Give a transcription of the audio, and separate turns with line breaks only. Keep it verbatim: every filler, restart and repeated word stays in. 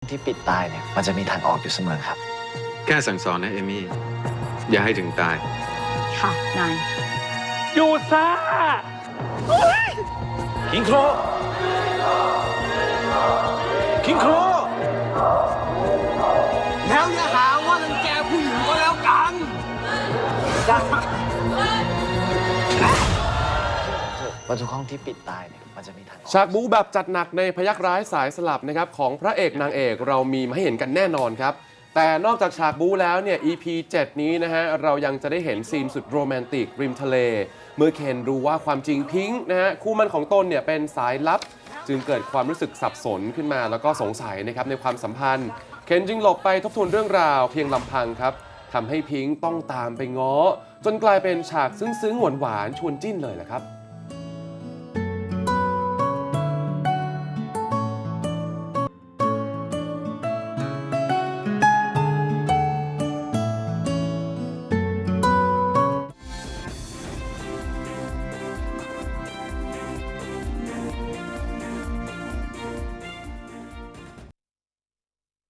ที่ปิดตายเนี่ยมันจะมีทางออกอยู่เสมอครับ
แค่สั่งสอนนะเอมี่อย่าให้ถึงตาย
ค่ะนาย
อยู่ซ่าคิงโครคิงโคร
แล้วอย่าหาว่ารังแกผู้หญิงก็แล้วกัน
ประตูห้องที่ปิดตายเนี่ยมันจะมีทางออก
ฉากบู๊แบบจัดหนักในพยักร้ายสายสลับนะครับของพระเอกนางเอกเรามีมาให้เห็นกันแน่นอนครับแต่นอกจากฉากบู๊แล้วเนี่ย อี พี เจ็ด นี้นะฮะเรายังจะได้เห็นซีนสุดโรแมนติกริมทะเลเมื่อเคนรู้ว่าความจริงพิงค์นะฮะคู่มั่นของตนเนี่ยเป็นสายลับจึงเกิดความรู้สึกสับสนขึ้นมาแล้วก็สงสัยนะครับในความสัมพันธ์เคนจึงหลบไปทบทวนเรื่องราวเพียงลำพังครับทำให้พิงค์ต้องตามไปง้อจนกลายเป็นฉากซึ้งๆหวานๆชวนจิ้นเลยแหละครับ